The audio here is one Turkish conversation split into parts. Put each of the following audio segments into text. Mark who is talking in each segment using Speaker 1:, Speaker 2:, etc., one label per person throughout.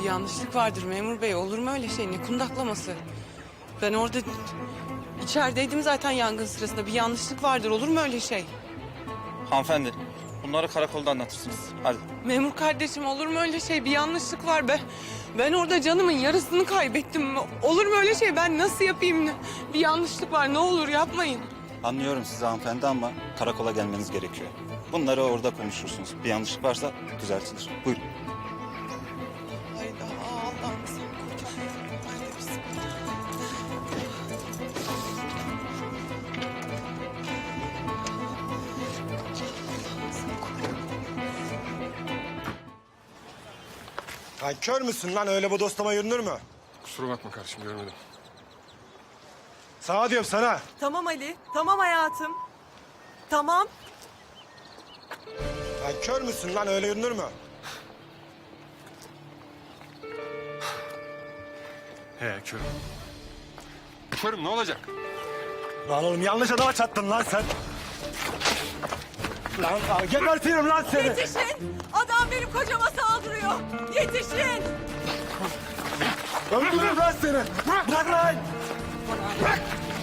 Speaker 1: yanlışlık vardır memur bey. Olur mu öyle şey? Ne kundaklaması? Ben orada içerideydim zaten yangın sırasında. Bir yanlışlık vardır. Olur mu öyle şey?
Speaker 2: Hanımefendi, bunları karakolda anlatırsınız. Hadi.
Speaker 1: Memur kardeşim olur mu öyle şey? Bir yanlışlık var. Ben orada canımın yarısını kaybettim. Olur mu öyle şey? Ben nasıl yapayım? Bir yanlışlık var. Ne olur yapmayın.
Speaker 2: Anlıyorum sizi hanımefendi ama karakola gelmeniz gerekiyor. Bunları orada konuşursunuz. Bir yanlışlık varsa düzeltilir. Buyurun.
Speaker 1: Hayda Allah'ım sen koru. Haydi bismillah.
Speaker 3: Lan kör müsün lan? Öyle bu dostlama yürünür mü?
Speaker 4: Kusura bakma kardeşim, görmedim.
Speaker 3: Sana diyorum sana.
Speaker 5: Tamam Ali, tamam hayatım. Tamam.
Speaker 3: Lan kör müsün lan? Öyle yürünür mü?
Speaker 4: He, körüm. Körüm, ne olacak?
Speaker 3: Lan oğlum yanlış adama çattın lan sen. Lan gebertirim lan seni.
Speaker 5: Yetişin! Adam benim kocama saldırıyor. Yetişin!
Speaker 3: Öldürürüm lan seni. Bırak lan. Bırak.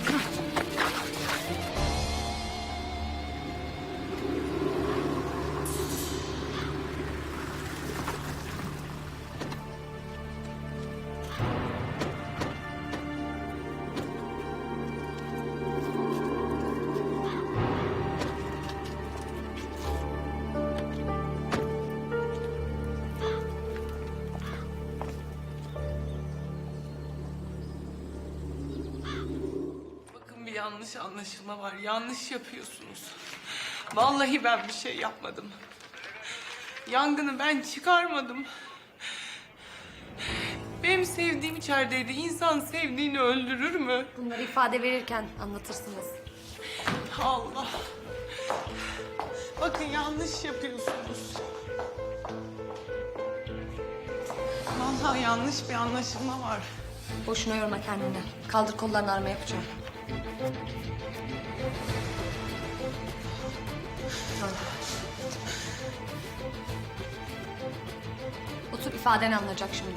Speaker 1: Bakın bir yanlış anlaşılma var. Yanlış yapıyorsunuz. Vallahi ben bir şey yapmadım. Yangını ben çıkarmadım. Benim sevdiğim içerideydi. İnsan sevdiğini öldürür mü?
Speaker 6: Bunları ifade verirken anlatırsınız.
Speaker 1: Allah. Bakın yanlış yapıyorsunuz. Vallahi yanlış bir anlaşılma var.
Speaker 6: Boşuna yorma kendini. Kaldır kollarını, arama yapacağım. Otur, ifadeni alınacak şimdi.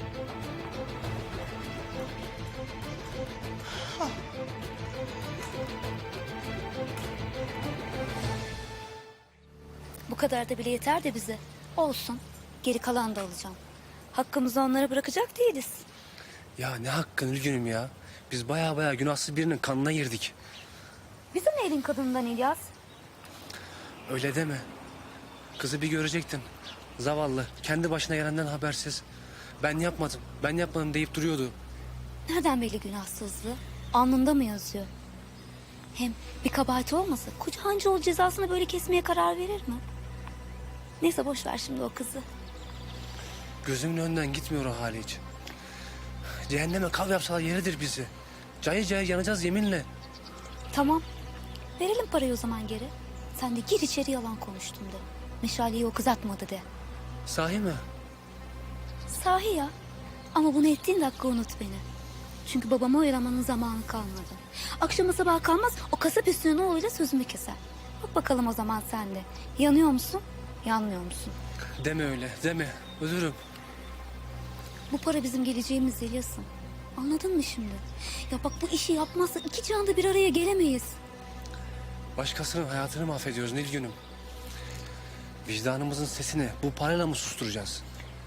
Speaker 7: Bu kadar da bile yeter de bize. Olsun. Geri kalanı da alacağım. Hakkımızı onlara bırakacak değiliz.
Speaker 8: Ya ne hakkın Ülgün'üm ya. Biz baya günahsız birinin kanına girdik.
Speaker 7: Bize ne elin kadından İlyas?
Speaker 8: Öyle deme. Kızı bir görecektin. Zavallı. Kendi başına gelenden habersiz. Ben yapmadım deyip duruyordu.
Speaker 7: Nereden belli günahsızlığı? Alnında mı yazıyor? Hem bir kabahati olmasa koca Hancıoğlu cezasını böyle kesmeye karar verir mi? Neyse boş ver şimdi o kızı.
Speaker 8: Gözümün önünden gitmiyor o hali hiç. Cehenneme kav yapsalar yeridir bizi. Cayır cayır yanacağız yeminle.
Speaker 7: Tamam. Verelim parayı o zaman geri. Sen de gir içeri yalan konuştun de. Meşaleyi o kız atmadı de.
Speaker 8: Sahi mi?
Speaker 7: Sahi ya. Ama bunu ettiğin dakika unut beni. Çünkü babamı oyalamanın zamanı kalmadı. Akşama sabah kalmaz o kasap üstüne oğluyla sözümü keser. Bak bakalım o zaman sen de. Yanıyor musun? Yanmıyor musun?
Speaker 8: Deme öyle deme. Ölürüm.
Speaker 7: Bu para bizim geleceğimiz İlyas'ım. Anladın mı şimdi? Ya bak bu işi yapmazsa iki canda bir araya gelemeyiz.
Speaker 8: Başkasının hayatını mahvediyoruz Nilgün'üm. Vicdanımızın sesini bu parayla mı susturacağız?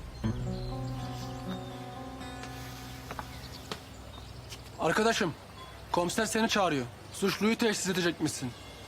Speaker 9: Arkadaşım, komiser seni çağırıyor. Suçluyu teşhis edecekmişsin.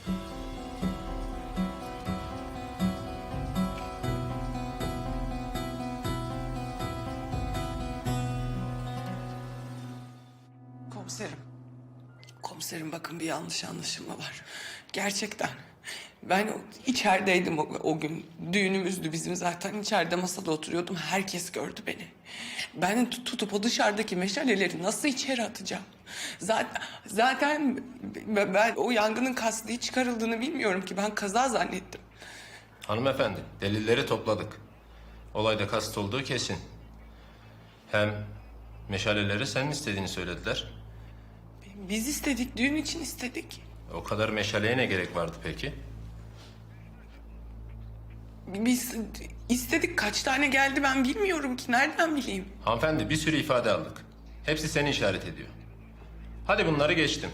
Speaker 1: Komiserim. Komiserim bakın bir yanlış anlaşılma var. Gerçekten. Ben içerideydim o gün. Düğünümüzdü bizim zaten. İçeride masada oturuyordum. Herkes gördü beni. Ben tutup o dışarıdaki meşaleleri nasıl içeri atacağım? Zaten ben o yangının kasti çıkarıldığını bilmiyorum ki. Ben kaza zannettim.
Speaker 10: Hanımefendi, delilleri topladık. Olayda kast olduğu kesin. Hem meşaleleri senin istediğini söylediler.
Speaker 1: Biz istedik, düğün için istedik.
Speaker 10: O kadar meşaleye ne gerek vardı peki?
Speaker 1: Biz istedik, kaç tane geldi ben bilmiyorum ki, nereden bileyim?
Speaker 10: Hanımefendi bir sürü ifade aldık. Hepsi seni işaret ediyor. Hadi bunları geçtim.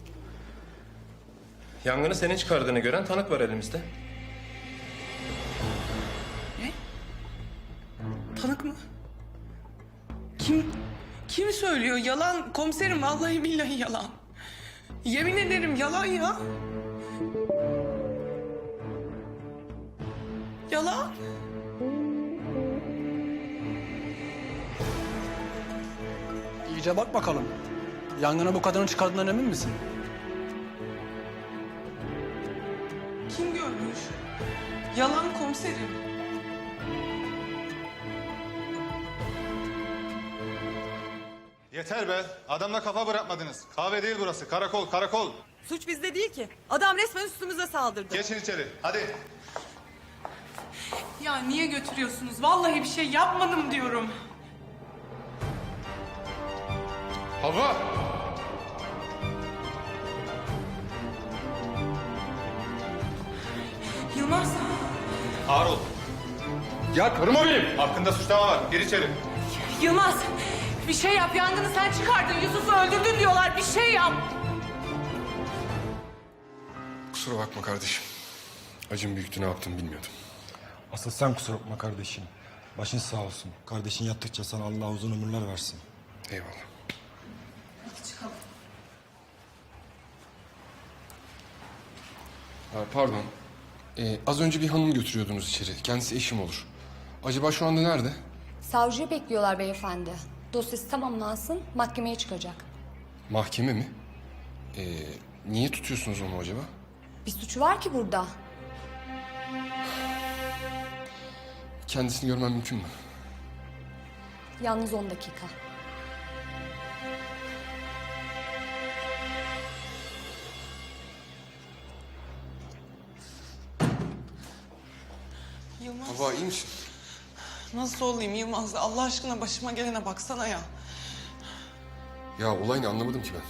Speaker 10: Yangını senin çıkardığını gören tanık var elimizde.
Speaker 1: Tanık mı? Kim söylüyor? Yalan komiserim, vallahi billahi yalan. Yemin ederim yalan ya. Yalan.
Speaker 9: İyice bak bakalım. Yangını bu kadının çıkardığından emin misin?
Speaker 1: Kim görmüş? Yalan komiserim.
Speaker 11: Yeter be. Adamla kafa bırakmadınız. Kahve değil burası. Karakol, karakol.
Speaker 5: Suç bizde değil ki. Adam resmen üstümüze saldırdı.
Speaker 11: Geçin içeri. Hadi.
Speaker 1: Ya niye götürüyorsunuz? Vallahi bir şey yapmadım diyorum.
Speaker 4: Hava!
Speaker 1: Yılmaz.
Speaker 11: Ağır ol.
Speaker 4: Ya karıma benim!
Speaker 11: Hakkında suçlama var. Gir içeri.
Speaker 5: Yılmaz, bir şey yap. Yangını sen çıkardın. Yusuf'u öldürdün diyorlar. Bir şey yap.
Speaker 4: Kusura bakma kardeşim. Acım büyüktü, ne yaptım bilmiyordum.
Speaker 3: Asıl sen kusura bakma kardeşim. Başın sağ olsun. Kardeşin yattıkça sana Allah uzun ömürler versin.
Speaker 4: Eyvallah. Pardon. Az önce bir hanım götürüyordunuz içeri. Kendisi eşim olur. Acaba şu anda nerede?
Speaker 6: Savcıyı bekliyorlar beyefendi. Dosyası tamamlansın, mahkemeye çıkacak.
Speaker 4: Mahkeme mi? Niye tutuyorsunuz onu acaba?
Speaker 6: Bir suçu var ki burada.
Speaker 4: Kendisini görmem mümkün mü?
Speaker 6: Yalnız 10 dakika.
Speaker 1: Yılmaz.
Speaker 4: Hava iyi misin?
Speaker 1: Nasıl olayım Yılmaz? Allah aşkına başıma gelene baksana ya.
Speaker 4: Ya olay ne, anlamadım ki ben.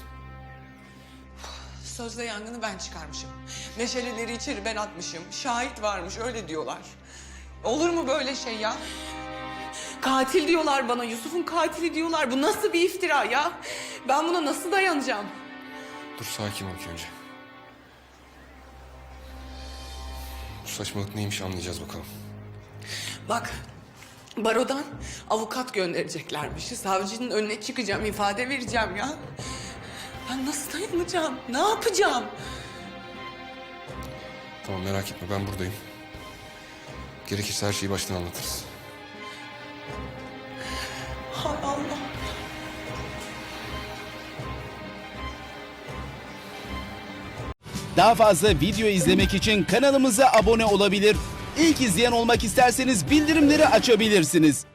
Speaker 1: Sözde yangını ben çıkarmışım. Meşaleleri içeri ben atmışım. Şahit varmış, öyle diyorlar. Olur mu böyle şey ya? Katil diyorlar bana, Yusuf'un katili diyorlar. Bu nasıl bir iftira ya? Ben buna nasıl dayanacağım?
Speaker 4: Dur sakin ol önce. Bu saçmalık neymiş anlayacağız bakalım.
Speaker 1: Bak, barodan avukat göndereceklermiş. Savcının önüne çıkacağım, ifade vereceğim ya. Ben nasıl dayanacağım? Ne yapacağım?
Speaker 4: Tamam merak etme, ben buradayım. Gerekirse her şeyi baştan anlatırız.
Speaker 1: Hay Allah.
Speaker 12: Daha fazla video izlemek için kanalımıza abone olabilir. İlk izleyen olmak isterseniz bildirimleri açabilirsiniz.